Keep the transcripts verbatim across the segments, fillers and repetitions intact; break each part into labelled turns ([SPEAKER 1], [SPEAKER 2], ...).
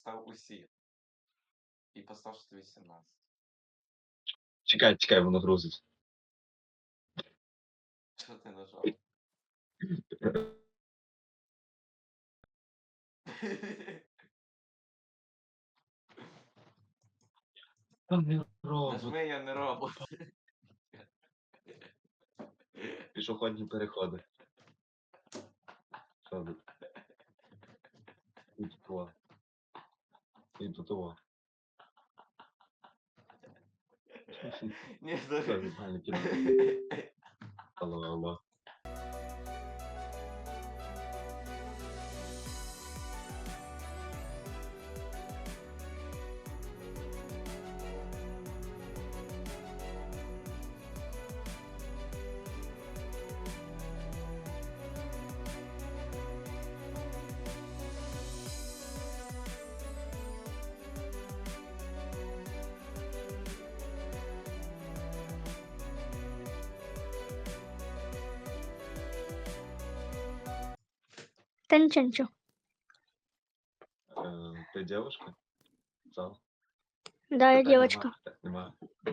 [SPEAKER 1] написав усі. І постав, що тобі сімнадцять.
[SPEAKER 2] Чекай, чекай, воно грузить.
[SPEAKER 1] Що ти нажав?
[SPEAKER 2] Та не робот.
[SPEAKER 1] Нажми, я не робот.
[SPEAKER 2] Пішохідні переходи. Що тут? І тут того. І тут того.
[SPEAKER 1] Ні,
[SPEAKER 2] Що,
[SPEAKER 1] зараз.
[SPEAKER 2] нормально кіно. Алло, алло.
[SPEAKER 3] Та нічого, нічого.
[SPEAKER 2] Е, Ти дівчинка? Зал?
[SPEAKER 3] Да, я
[SPEAKER 2] Питань нема,
[SPEAKER 3] дівчинка.
[SPEAKER 2] питань нема.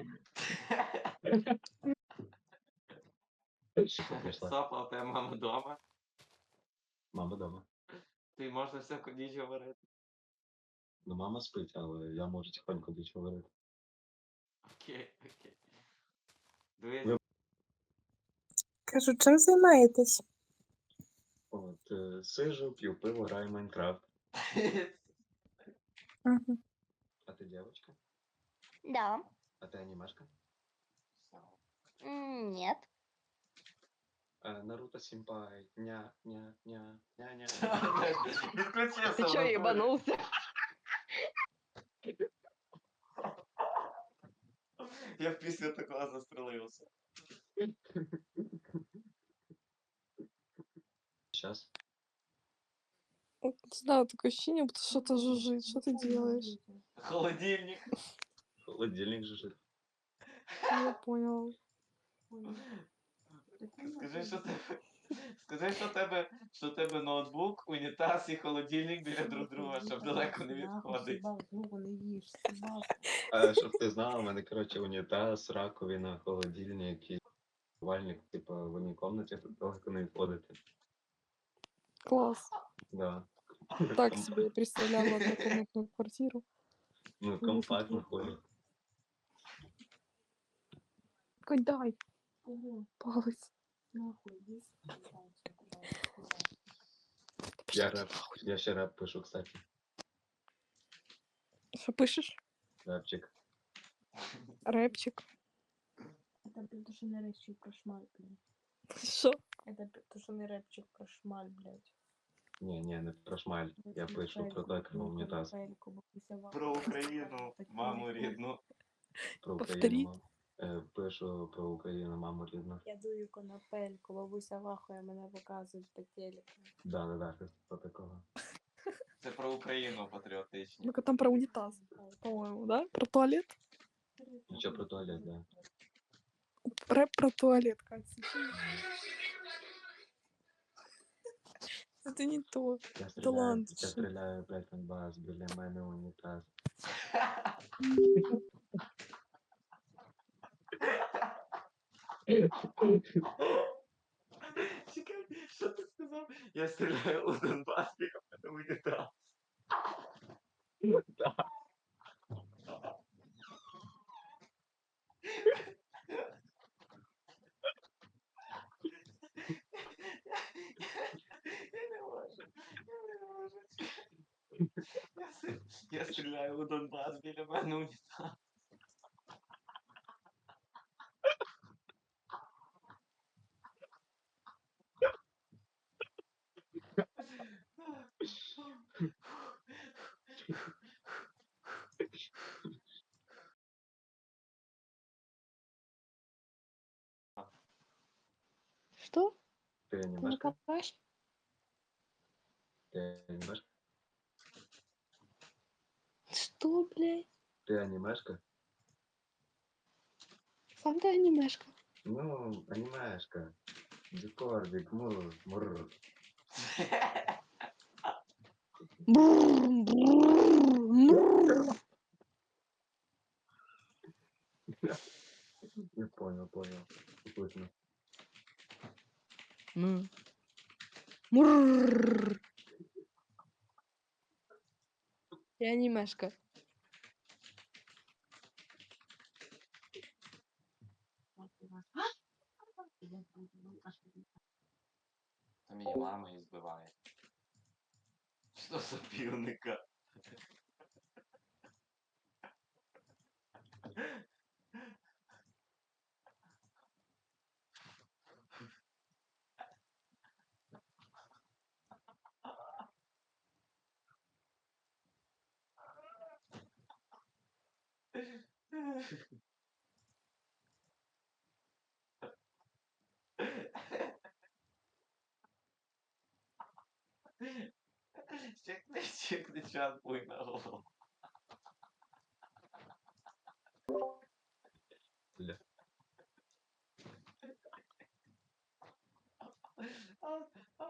[SPEAKER 2] Що ти прийшла?
[SPEAKER 1] Сопа, у тебе мама вдома.
[SPEAKER 2] Мама дома.
[SPEAKER 1] Ти можна всяку ніч говорити.
[SPEAKER 2] Ну, мама спить, але я можу тихонько десь говорити.
[SPEAKER 1] Окей, окей. Дивись.
[SPEAKER 2] Ви-
[SPEAKER 4] Кажу, чим займаєтесь?
[SPEAKER 2] От, е, сижу, п'ю пиво, граю в Майнкрафт.
[SPEAKER 4] Ага.
[SPEAKER 2] А ти дівчинка?
[SPEAKER 3] Да.
[SPEAKER 2] А ти анімешка?
[SPEAKER 3] М, Нет.
[SPEAKER 2] Е, Наруто Сімпай. Ня, ня, ня, ня, ня.
[SPEAKER 1] Відключився.
[SPEAKER 5] Ты чё, ебанулся?
[SPEAKER 1] Я після такого застрелився.
[SPEAKER 2] Сейчас.
[SPEAKER 4] Не знаю, такое ощущение, будто что-то жужжит. Что ты делаешь?
[SPEAKER 1] Холодильник.
[SPEAKER 2] Холодильник жужжит.
[SPEAKER 4] Я поняла.
[SPEAKER 1] Скажи, що тебе. Скажи, що тебе, що тебе ноутбук, унітаз і холодильник біля друг друга, щоб далеко не відходить.
[SPEAKER 2] А, щоб ти знала, у мене, коротше, унітаз, раковина, холодильник і вальник, типу, в одній кімнаті, тут далеко не відходити.
[SPEAKER 4] Класс.
[SPEAKER 2] Да.
[SPEAKER 4] Так
[SPEAKER 2] Ком-
[SPEAKER 4] себе я представляла однокомнатную квартиру.
[SPEAKER 2] Ну, компактно ходить.
[SPEAKER 4] Какой дай. Палец.
[SPEAKER 2] Я реп, я ще реп пишу, кстати.
[SPEAKER 4] Что пишешь?
[SPEAKER 2] Репчик.
[SPEAKER 4] Рэпчик.
[SPEAKER 6] Это то, что не рэпчик про шмаль, блядь.
[SPEAKER 4] Что?
[SPEAKER 6] Это то, что не рэпчик про шмаль, блядь.
[SPEAKER 2] Ні, ні, не про шмаль. Я пишу про те, про унітаз.
[SPEAKER 1] Про Україну, маму рідну.
[SPEAKER 2] Про
[SPEAKER 4] Повторіть.
[SPEAKER 2] Україну. мам. Е, Пишу про Україну, маму рідну.
[SPEAKER 6] Я дую конопельку, бабуся вахує, мене показують по телеку.
[SPEAKER 2] Да, да, да, щось по такого.
[SPEAKER 1] Це про Україну патріотичні.
[SPEAKER 4] Ну-ка там про унитаз, по-моему, да? Про туалет?
[SPEAKER 2] Нічого про туалет, да.
[SPEAKER 4] Рэп про туалет, Катя. Это не то.
[SPEAKER 2] Я стріляю,
[SPEAKER 4] Талант.
[SPEAKER 2] я стріляю, блядь, на бас, біля мене унітаз.
[SPEAKER 1] Чекай, що ти сказав? Я стріляю у Донбас, біля мене унітаз.
[SPEAKER 2] Да.
[SPEAKER 1] Я не можу. Я не можу. Я с- Я стріляю у Донбас, біля мене унітаз.
[SPEAKER 4] Что?
[SPEAKER 2] Ти
[SPEAKER 4] Ты
[SPEAKER 2] анімешка?
[SPEAKER 4] накопаешь?
[SPEAKER 2] Ти анімешка?
[SPEAKER 4] Что, блядь?
[SPEAKER 2] Ти анімешка?
[SPEAKER 4] Сам ты анимешка.
[SPEAKER 2] Ну, анімешка. Дикордик, мур, мур.
[SPEAKER 4] Бррр, бррр,
[SPEAKER 2] понял. Вкусно.
[SPEAKER 4] Му. Мурррррр. Я анимешка.
[SPEAKER 1] Там її мама її збиває. Що за півника? Щекни, щекни чат буй на голову.
[SPEAKER 2] Бля.
[SPEAKER 1] А, а,